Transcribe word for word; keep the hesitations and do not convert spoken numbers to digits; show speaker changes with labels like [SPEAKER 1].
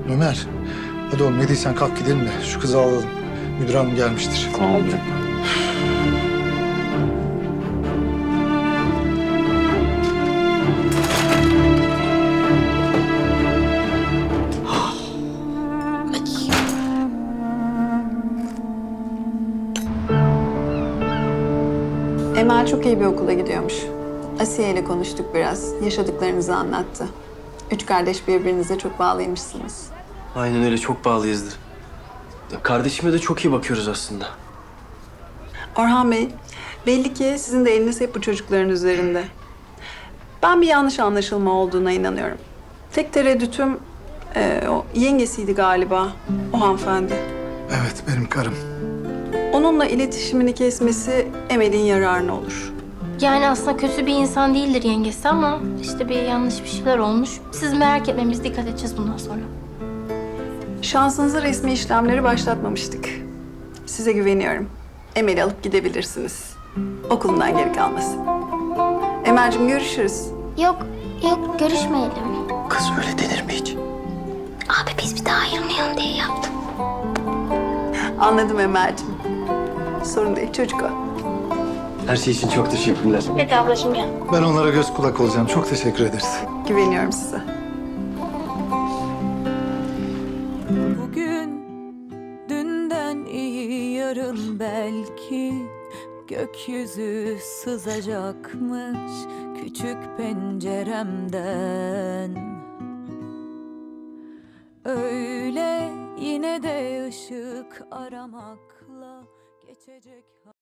[SPEAKER 1] Ömer, hadi oğlum ne diysen kalk gidelim de şu kızı alalım. Müdür hanım gelmiştir.
[SPEAKER 2] Tamam.
[SPEAKER 3] Emel çok iyi bir okula gidiyormuş. Asiye ile konuştuk biraz. Yaşadıklarınızı anlattı. Üç kardeş birbirinize çok bağlıymışsınız.
[SPEAKER 2] Aynen öyle, çok bağlıyızdır. Ya kardeşime de çok iyi bakıyoruz aslında.
[SPEAKER 3] Orhan Bey, belli ki sizin de eliniz hep bu çocukların üzerinde. Ben bir yanlış anlaşılma olduğuna inanıyorum. Tek tereddütüm e, o yengesiydi galiba, o hanımefendi.
[SPEAKER 1] Evet, benim karım.
[SPEAKER 3] Onunla iletişimini kesmesi Emel'in yararına olur.
[SPEAKER 4] Yani aslında kötü bir insan değildir yengesi ama işte bir yanlış bir şeyler olmuş. Siz merak etmeyin, biz dikkat edeceğiz bundan sonra.
[SPEAKER 3] Şansınıza resmi işlemleri başlatmamıştık. Size güveniyorum. Emel'i alıp gidebilirsiniz. Okulundan geri kalmasın. Emel'cim görüşürüz.
[SPEAKER 4] Yok, yok görüşmeyelim.
[SPEAKER 2] Kız öyle denir mi hiç?
[SPEAKER 4] Abi biz bir daha ayrılmayalım diye yaptım.
[SPEAKER 3] Anladım Emel'cim. Sorun değil, çocuk o.
[SPEAKER 2] Her şey için çok teşekkürler.
[SPEAKER 4] Hadi ablacığım gel.
[SPEAKER 1] Ben onlara göz kulak olacağım. Çok teşekkür ederiz.
[SPEAKER 3] Güveniyorum size.
[SPEAKER 5] Bugün dünden iyi, yarın belki gökyüzü sızacakmış küçük penceremden. Öyle yine de ışık aramakla geçecek.